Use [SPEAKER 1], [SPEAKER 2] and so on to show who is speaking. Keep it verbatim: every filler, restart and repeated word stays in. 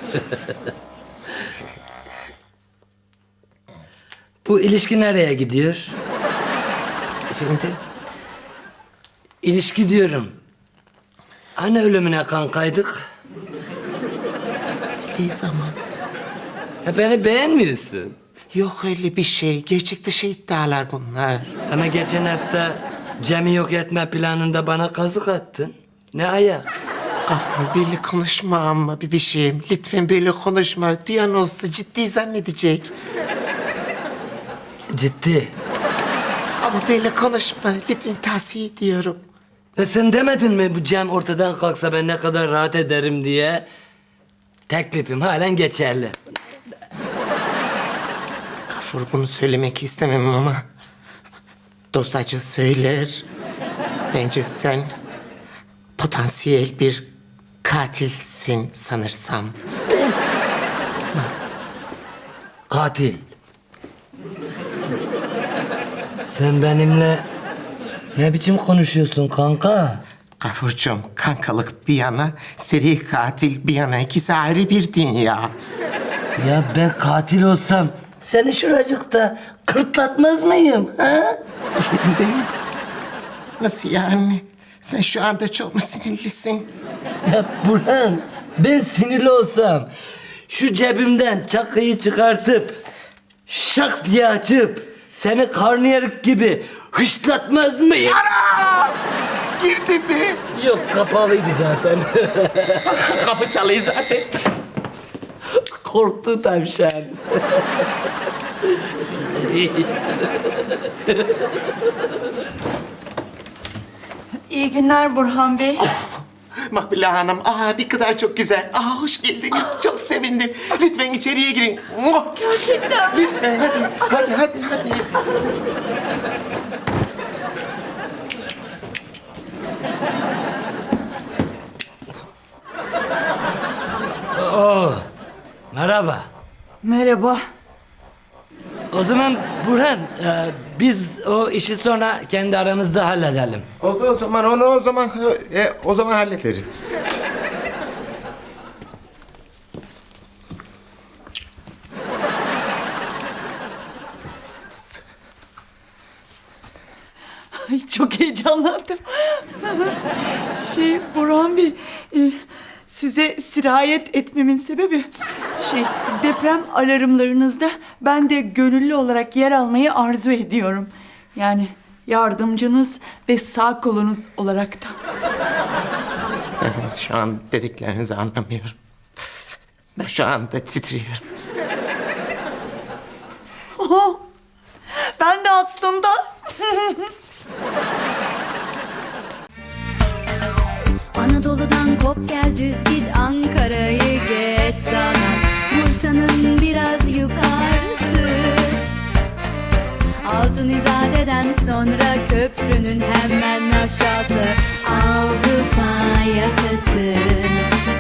[SPEAKER 1] Bu ilişki nereye gidiyor?
[SPEAKER 2] Efendim?
[SPEAKER 1] İlişki diyorum. Hani ölümüne kankaydık?
[SPEAKER 2] Ne zaman?
[SPEAKER 1] Ya beni beğenmiyorsun.
[SPEAKER 2] Yok öyle bir şey. Gerçek dışı iddialar bunlar.
[SPEAKER 1] Ama geçen hafta Cem'i yok etme planında bana kazık attın. Ne ayak?
[SPEAKER 2] Gafur böyle konuşma ama bir bir şeyim. Lütfen böyle konuşma. Duyan olsa ciddi zannedecek.
[SPEAKER 1] Ciddi.
[SPEAKER 2] Ama böyle konuşma. Lütfen tavsiye ediyorum.
[SPEAKER 1] Ve sen demedin mi bu Cem ortadan kalksa ben ne kadar rahat ederim diye? Teklifim halen geçerli.
[SPEAKER 2] Gafur bunu söylemek istemem ama... Dost acı söyler. Bence sen... potansiyel bir katilsin sanırsam.
[SPEAKER 1] Katil. Sen benimle ne biçim konuşuyorsun kanka?
[SPEAKER 2] Gafurcuğum, kankalık bir yana, seri katil bir yana. İkisi ayrı bir dünya.
[SPEAKER 1] Ya ben katil olsam seni şuracıkta kırtlatmaz mıyım? Ha?
[SPEAKER 2] Efendim? Nasıl yani? Sen şu anda çok mu sinirlisin?
[SPEAKER 1] Ya Burhan, ben sinirli olsam şu cebimden çakıyı çıkartıp şak diye açıp seni karnıyarık gibi hışlatmaz mıyım?
[SPEAKER 2] Ana! Girdi mi?
[SPEAKER 1] Yok, kapalıydı zaten.
[SPEAKER 2] Kapı çalıyor zaten.
[SPEAKER 1] Korktu tavşan.
[SPEAKER 3] İyi günler Burhan Bey.
[SPEAKER 2] Makbule Hanım, aa ne kadar çok güzel. Aa hoş geldiniz, çok sevindim. Lütfen içeriye girin. Muah!
[SPEAKER 3] Gerçekten mi?
[SPEAKER 2] Lütfen, hadi, hadi, hadi, hadi.
[SPEAKER 1] Oo, merhaba.
[SPEAKER 3] Merhaba.
[SPEAKER 1] O zaman Burhan, e, biz o işi sonra kendi aramızda halledelim.
[SPEAKER 2] Oldu o zaman, onu o zaman, e, o zaman hallederiz.
[SPEAKER 3] Ay çok heyecanlandım. Şey Burhan Bey, e, size sirayet etmemin sebebi şey deprem alarmlarınızda ben de gönüllü olarak yer almayı arzu ediyorum. Yani yardımcınız ve sağ kolunuz olarak da.
[SPEAKER 2] Ben şu an dediklerinizi anlamıyorum. Ben şu anda titriyorum.
[SPEAKER 3] Oho, ben de aslında.
[SPEAKER 4] Anadolu'dan kop gel düz git Ankara'yı geç sana Bursa'nın biraz yukarısı Altın İzade'den sonra köprünün hemen aşağısı Avrupa yakası